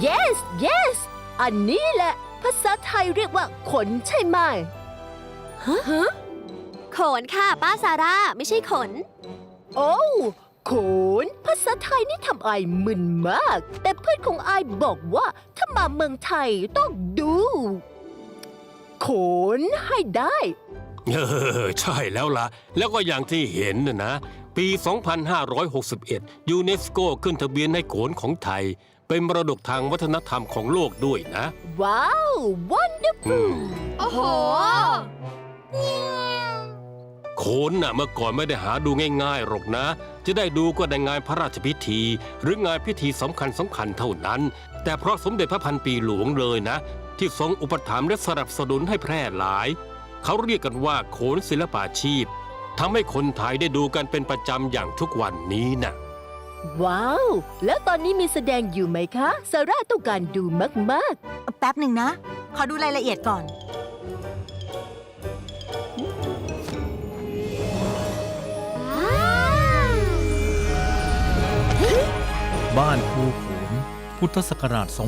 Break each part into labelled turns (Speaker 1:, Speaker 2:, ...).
Speaker 1: yes yes อันนี้แหละภาษาไทยเรียกว่าขนใช่ไหม
Speaker 2: ขนค่ะป้าซาร่าไม่ใช่ขน
Speaker 1: โอ้ขนภาษาไทยนี่ทำไอมึนมาก แต่เพื่อนของไอบอกว่าถ้ามาเมืองไทยต้องดูขนให้ได้
Speaker 3: ใช่แล้วล่ะ แล้วก็อย่างที่เห็นนะปี 2561 ยูเนสโกขึ้นทะเบียนให้โขนของไทย เป็นมรดกทางวัฒนธรรมของโลกด้วยนะ
Speaker 1: ว้าว wonderful
Speaker 2: โอ้โห
Speaker 3: โขนน่ะเมื่อก่อนไม่ได้หาดูง่ายๆหรอกนะ จะได้ดูก็ในงานพระราชพิธี หรืองานพิธีสำคัญเท่านั้น แต่เพราะสมเด็จพระพันปีหลวงเลยนะ ที่ทรงอุปถัมภ์และสนับสนุนให้แพร่หลาย เขาเรียกกันว่าโขนศิลปาชีพทำให้คนไทยได้ดูกันเป็นประจำอย่างทุกวันนี้นะ
Speaker 1: ว้าว แล้วตอนนี้มีแสดงอยู่ไหมคะซาร่าต้องการดูมาก
Speaker 4: แป๊บหนึ่งนะ ขอดูรายละเอียดก่อน
Speaker 5: บ้านครูโขนพุทธศักราช 2558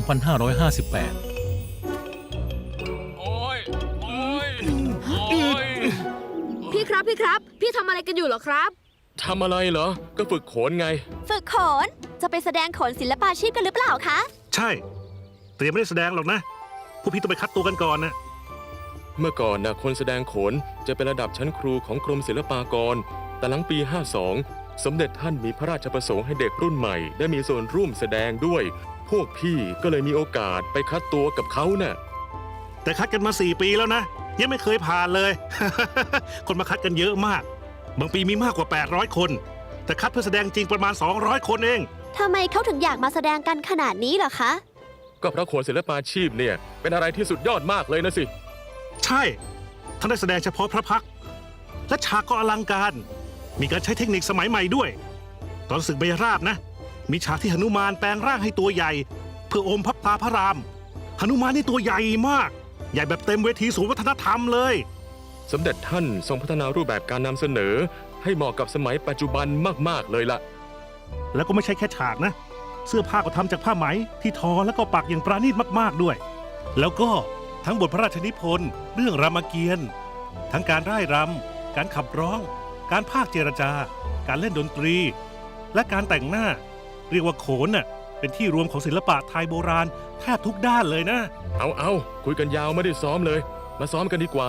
Speaker 2: พี่ครับพี่ทำอะไรกันอยู่เหรอครับ
Speaker 6: ทำอะไรเหรอ ก็ฝึกโขนไง
Speaker 2: ฝึกโขนจะไปแสดงโขนศิลปาชีพกันหรือเปล่าคะ
Speaker 7: ใช่แต่ยังไม่ได้แสดงหรอกนะพวกพี่ต้องไปคัดตัวกันก่อนนะ
Speaker 6: เมื่อก่อนนะคนแสดงโขนจะเป็นระดับชั้นครูของกรมศิลปากร แต่หลังปี 52 สมเด็จท่านมีพระราชประสงค์ให้เด็กรุ่นใหม่ได้มีส่วนร่วมแสดงด้วย พวกพี่ก็เลยมีโอกาสไปคัดตัวกับเขาน่ะ
Speaker 7: แต่คัดกันมา 4 ปีแล้วนะ ยังไม่เคยผ่านเลย คนมาคัดกันเยอะมาก บางปีมีมากกว่า 800 คน แต่คัดเพื่อแสดงจริงประมาณ 200 คนเอง
Speaker 2: ทำไมเขาถึงอยากมาแสดงกันขนาดนี้เหรอคะ
Speaker 6: ก็เพราะโขนศิลปาชีพเนี่ยเป็นอะไรที่สุดยอดมากเลยนะสิ
Speaker 7: ใช่ท่านได้แสดงเฉพาะพระพักตร์และฉากก็อลังการ มีการใช้เทคนิคสมัยใหม่ด้วย ตอนศึกเบญราบนะ มีฉากที่หนุมานแปลงร่างให้ตัวใหญ่ เพื่ออมพระตาพระรามหนุมานนี่ตัวใหญ่มาก ใหญ่แบบเต็มเวทีศูนย์วัฒนธรรมเลย
Speaker 6: สมเด็จท่านทรงพัฒนารูปแบบการนำเสนอ ให้เหมาะกับสมัยปัจจุบันมากๆเลยล่ะ
Speaker 7: แล้วก็ไม่ใช่แค่ฉากนะ เสื้อผ้าก็ทำจากผ้าไหมที่ทอแล้วก็ปักอย่างปราณีตมากๆด้วย แล้วก็ทั้งบทพระราชนิพนธ์เรื่องรามเกียรติ์ทั้งการร่ายรำการขับร้อง การพากย์เจรจา การเล่นดนตรี และการแต่งหน้า เรียกว่าโขนน่ะเป็นที่รวมของศิลปะไทยโบราณแทบทุกด้านเลยนะ
Speaker 6: เอาคุยกันยาวไม่ได้ซ้อมเลย มาซ้อมกันดีกว่า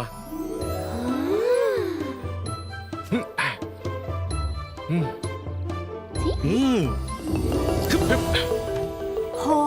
Speaker 7: อืม
Speaker 2: โห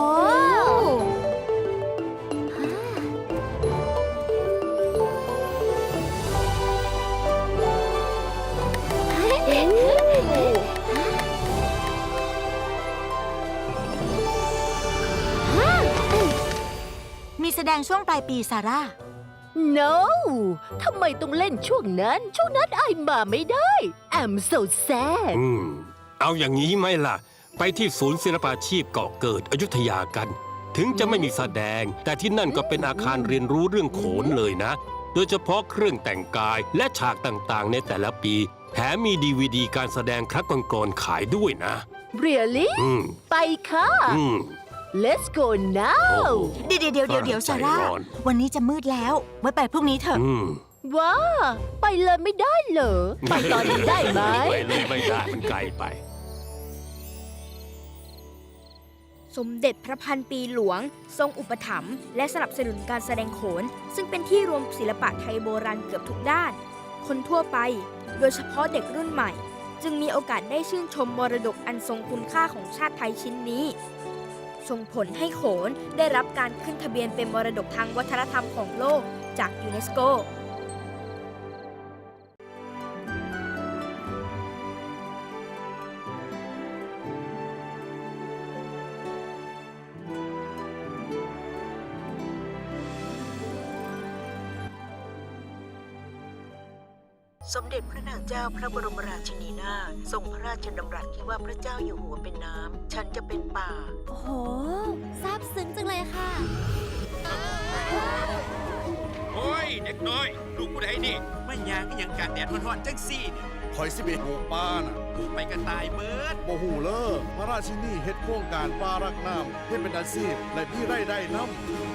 Speaker 4: มีแสดงช่วงปลายปีซาร่า
Speaker 1: ๆ no ทำไมต้องเล่นช่วงนั้นไอมาไม่ได้ I'm so sad
Speaker 3: เอาอย่างนี้ไหมล่ะ ไปที่ศูนย์ศิลปาชีพเกาะเกิดอยุธยากัน ถึงจะไม่มีแสดง แต่ที่นั่นก็เป็นอาคารเรียนรู้เรื่องโขนเลยนะ โดยเฉพาะเครื่องแต่งกายและฉากต่างๆ ในแต่ละปี แถมมีดีวีดีการแสดงครั้งก่อนๆขายด้วยนะ
Speaker 1: really
Speaker 3: อืม
Speaker 1: ไปค่ะ
Speaker 3: อืม
Speaker 1: let's go now
Speaker 4: เดี๋ยวซาร่า
Speaker 3: ใจร้อน
Speaker 4: วันนี้จะมืดแล้ว ไว้ไปพรุ่งนี้เถอะ
Speaker 3: อืม
Speaker 1: ว้าไปเลยไม่ได้เหรอ ไปตอนนี้ได้ไหม
Speaker 3: ไปเลยไม่ได้มันไกลไป
Speaker 8: สมเด็จพระพันปีหลวง ทรงอุปถัมภ์และสนับสนุนการแสดงโขน ซึ่งเป็นที่รวมศิลปะไทยโบราณเกือบทุกด้าน คนทั่วไป โดยเฉพาะเด็กรุ่นใหม่ จึงมีโอกาสได้ชื่นชมมรดกอันทรงคุณค่าของชาติไทยชิ้นนี้ ส่งผลให้โขนได้รับการขึ้นทะเบียนเป็นมรดกทางวัฒนธรรมของโลกจากยูเนสโก
Speaker 9: สมเด็จพระนางเจ้าพระบรมราชินีนาถทรงพระราชดำรัสที่ว่าพระเจ้าอยู่หัวเป็นน้ำฉันจะเป็นป่า
Speaker 2: โอ้โหซาบซึ้งจังเลยค่ะ
Speaker 10: โอ้ย เด็กน้อย ลูกผู้ใดนี่ไม่ยางก็ยังการแดดร้อนๆจังซี่นี่คอยสิเบปลูกป้าน่ะ
Speaker 11: ไปกระต่ายเบิด
Speaker 10: โมหูเลอพระราชินีเฮ็ดโครงการป้ารักน้ำเฮ็ดเป็นอาชีพและพี่ไร่ได้น้ำ